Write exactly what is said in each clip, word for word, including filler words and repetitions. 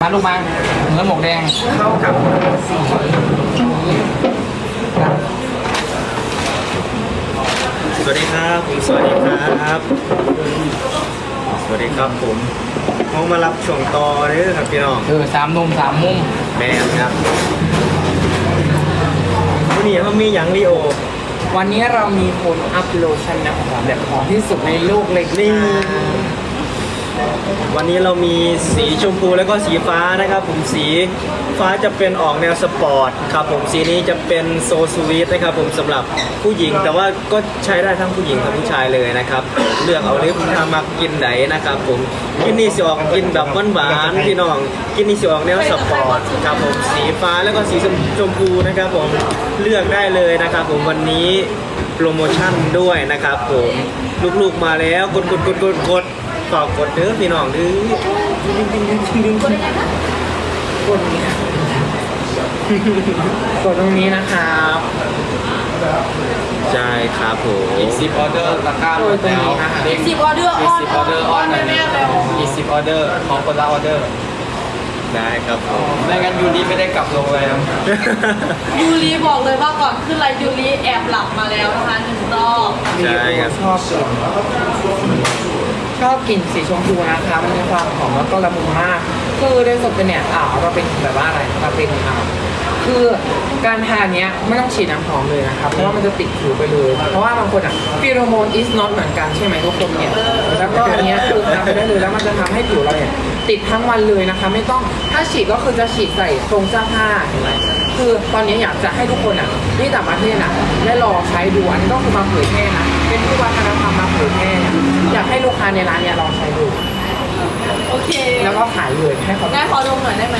มาลูกมาเนื้อหมกแดงเข้ากับสีสวัสดีครับผมสวัสดีครับสวัสดีครับผมเขามารับช่วงต่อเด้อครับพี่น้องเออสามนุ่มสามมุมแม่ครับวันนี้เขามีอย่างลีโอวันนี้เรามีคนอัพโลชั่นน้ำหอมแบบหอมที่สุดในโลกเลยนี่วันนี้เรามีสีชมพูแล้วก็สีฟ้านะครับผมสีฟ้าจะเป็นออกแนวสปอร์ตครับผมสีนี้จะเป็นโซสวีทนะครับผมสำหรับผู้หญิงแต่ว่าก็ใช้ได้ทั้งผู้หญิงทั้งผู้ชายเลยนะครับเลือกเอาเลยถ้ามักกินไหนนะครับผมกินนี่สิออกกินแบบหวานๆพี่น้องกินนี่สิออกแนวสปอร์ตครับผมสีฟ้าแล้วก็สีชมพูนะครับผมเลือกได้เลยนะครับผมวันนี้โปรโมชั่นด้วยนะครับผมลูกๆมาแล้วกดกดกดกดกดฝากกดเด้อพี่น้องดื้อกดนี้ค่ะกดตรงนี้นะครับใช่ครับผมอีกสิบออเดอร์ตะกร้าหมดแล้วอีกสิบออเดอร์ออนสิบออเดอร์ออนแน่ๆเลยอีกสิบออเดอร์ของคนละออเดอร์ได้ครับผมไม่งั้นยูรีไม่ได้กลับโรงแรมยูรีบอกเลยว่าก่อนขึ้นไลฟ์ยูรีแอบหลับมาแล้วนะคะหนึ่งรอบใช่ครับชอบกลิ่นชอบกลิ่นสีชมพูนะคะมันมีความหอมแล้วก็ละมุนมากคือในสดเนี่ยอ่าเราเป็นแบบว่าอะไรเราเป็นอ่าคือการทานเนี้ยไม่ต้องฉีดน้ำหอมเลยนะครับเพราะว่ามันจะติดผิวไปเลยเพราะว่าบางคนอ่ะฟีโรโมน is not เหมือนกันใช่ไหมทุกคนเนี่ยแล้วก็อันเนี้ยคือทำไปได้เลยแล้วมันจะทำให้ผิวเราเนี่ยติดทั้งวันเลยนะคะไม่ต้องถ้าฉีดก็คือจะฉีดใส่ตรงเสื้อผ้าเห็นไหมคือตอนนี้อยากจะให้ทุกคนอ่ะที่ต่างประเทศอ่ะได้ลองใช้ดูอันนี้ก็คือมาเผยแพร่นะเป็นผู้วัฒนธรรมมาเผยแพร่อยากให้ลูกค้าในร้านเนี่ยลองใช้ดูโอเคแล้วก็ขายเลยให้เขาได้ขอดมหน่อยได้ไหม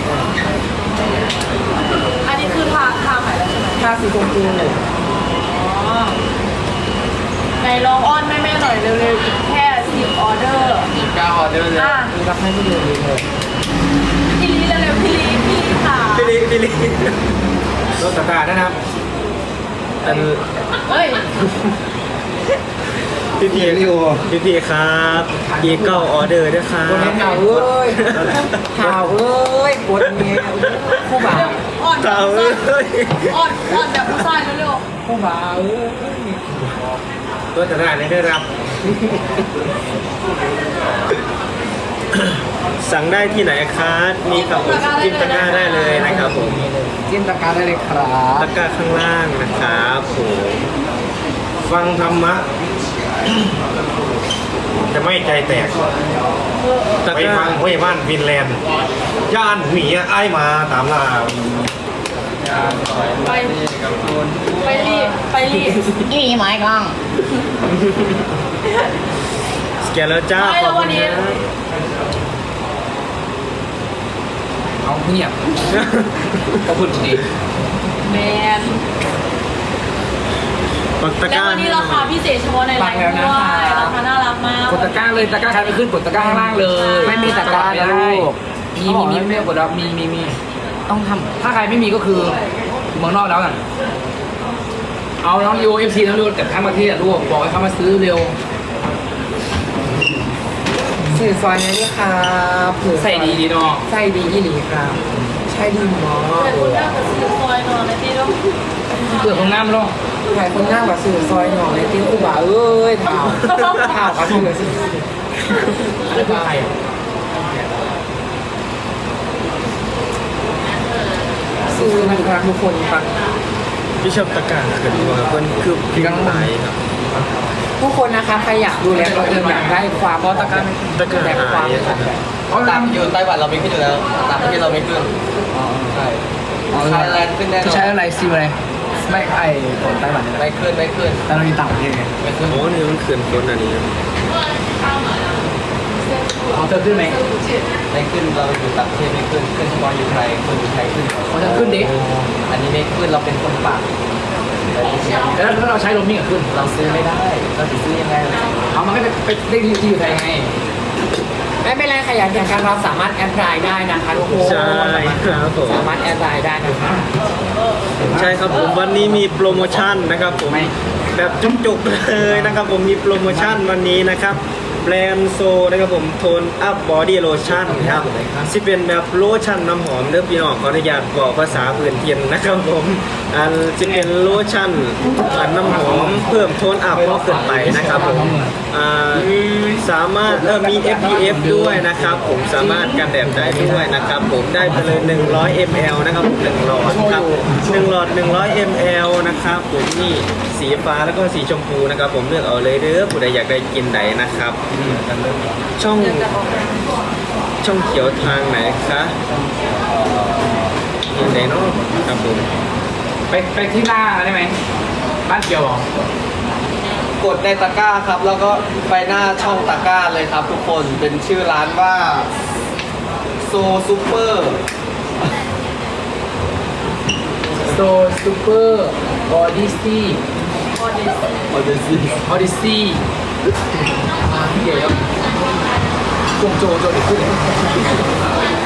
อันนี้คือทาทาใหม่แล้วใช่ไหมทาสีชมพูเลยอ๋อในลองอ้อนแม่ๆหน่อยเร็วๆอีกแค่สิบออเดอร์สิบเก้าออเดอร์เลยมีรับให้พี่ลีเลยพี่ลีเร็วๆพี่ลีพี่ลีค่ะพี่ลีพี่ลีรถตะกร้านะครับอันเฮ้ยพี่พีพี่โอพี่พีครับอีกเก้าออเดอร์ด้วยครับคนนี้ข่าวเอ้ยข่าวเอ้ยกดเงี้ยผู้บ่าวอ่อนแบบผู้ชายอ่อนอ่อนแบบผู้ชายเร็วๆผู้บ่าวเอ้ยตัวตะกร้าได้รับสั่งได้ที่ไหนครับมีครับจิ้มตะกร้าได้เลยนะครับผมจิ้มตะกร้าได้เลยครับตะกร้าข้างล่างนะครับผมฟังธรรมะจะไม่ใจแตกไปฟังห้วยบ้านฟินแลนด์ย่านหมีไอ้มาตามล่าไปไปรีไปรีอีไม้กล้องสแกนแล้วจ้าขอบคุณนะเอาเงียบขอบคุณจริงแมนแล้ววันนี้ราคาพิเศษเฉพาะในไลน์ด้วยราคาน่ารักมากกดตะกร้าเลยตะกร้าใครไปขึ้นกดตะกร้าข้างล่างเลยไม่มีตะกร้านะลูกมีมีมีไม่กดแล้วมีมีมีต้องทำถ้าใครไม่มีก็คือเมืองนอกแล้วกันเอาน้องยูเอฟซีน้องยูแต่ทั้งประเทศลูกบอกให้เขามาซื้อเร็วสื่อซอยนี้ครับใส่ดีดีเนาะใส่ดียี่หลีครับใช่ดีมากแต่คนหน้ากับสื่อซอยนอนนะพี่ลูกเปลือกของน้ำลูกใครคนหน้ากับสื่อซอยหน่อยติ้งกูบ่าเอ้ยเท้าเท้าเขาทุ่งเลยสิอะไรบ้าใครซื้อนะครับทุกคนปังพี่ชอบตะการเกิดมาเพื่อนคือพี่กังไหนครับทุกคนนะคะใครอยากดูแลตัวเองอยากได้ความตะการตะการแบบความเขาตามอยู่ไต้หวันเราไม่ขึ้นอยู่แล้วต่างประเทศเราไม่ขึ้นอ๋อใช่ไทยแลนด์ขึ้นแน่นอนใช้อะไรซิมอะไรไม่ไอ้คนไต้หวันไม่ขึ้นไม่ขึ้นแต่เราอยู่ต่างประเทศไงไม่ขึ้นโอ้นี่มันขึ้นคนอันนี้ของเธอขึ้นไหมไม่ขึ้นเราอยู่ต่างประเทศไม่ขึ้นขึ้นเฉพาะอยู่ไทยคนอยู่ไทยขึ้นของเธอขึ้นดิอันนี้ไม่ขึ้นเราเป็นคนปากแล้วถ้าเราใช้โรมมิ่งขึ้นเราซื้อไม่ได้เราจะซื้อยังไงเอามันก็ไปไปได้ที่อยู่ไทยไงไม่เป็นไรใครอยากแข่งกันเราสามารถแอดไลน์ได้นะคะทุกคนใช่ครับผมสามารถแอดไลน์ได้นะคะใช่ครับผมวันนี้มีโปรโมชั่นนะครับผมแบบจุกๆเลยนะครับผมมีโปรโมชั่นวันนี้นะครับแบรนด์โซนะครับผมโทนอัพบอดี้โลชั่นครับที่เป็นแบบโลชั่นน้ำหอมเด้อพี่น้องขออนุญาตบอกภาษาพื้นเทียนนะครับผมอันจะเป็นโลชั่นอันน้ำหอมเพิ่มโทนอัพก็ขึ้นไปนะครับผมอ่าสามารถเออมี เอฟ พี เอฟ ด้วยนะครับผมสามารถกันแดดได้ด้วยนะครับผมได้ไปเลยหนึ่งร้อยมิลลิลิตรนะครับผมหนึ่งหลอดครับหนึ่งหลอดหนึ่งร้อยมิลลิลิตรนะครับผมนี่สีฟ้าแล้วก็สีชมพูนะครับผมเลือกเอาเลยเด้อผู้ใดอยากได้กินไหนนะครับช่องช่องเขียวทางไหนคะยินไหนเนาะครับผมไปไปที่หน้าได้ไหมบ้านเกียวเหรอกดในตะกร้าครับ แล้วก็ไปหน้าช่องตะกร้าเลยครับ ทุกคนเป็นชื่อร้านว่าโซซูเปอร์โซซูเปอร์ออดิซี่ออเดสออเดซี่ออดิซี่อ่าเดี๋ยวกงโจโจเดี๋ยวขึ้นเลย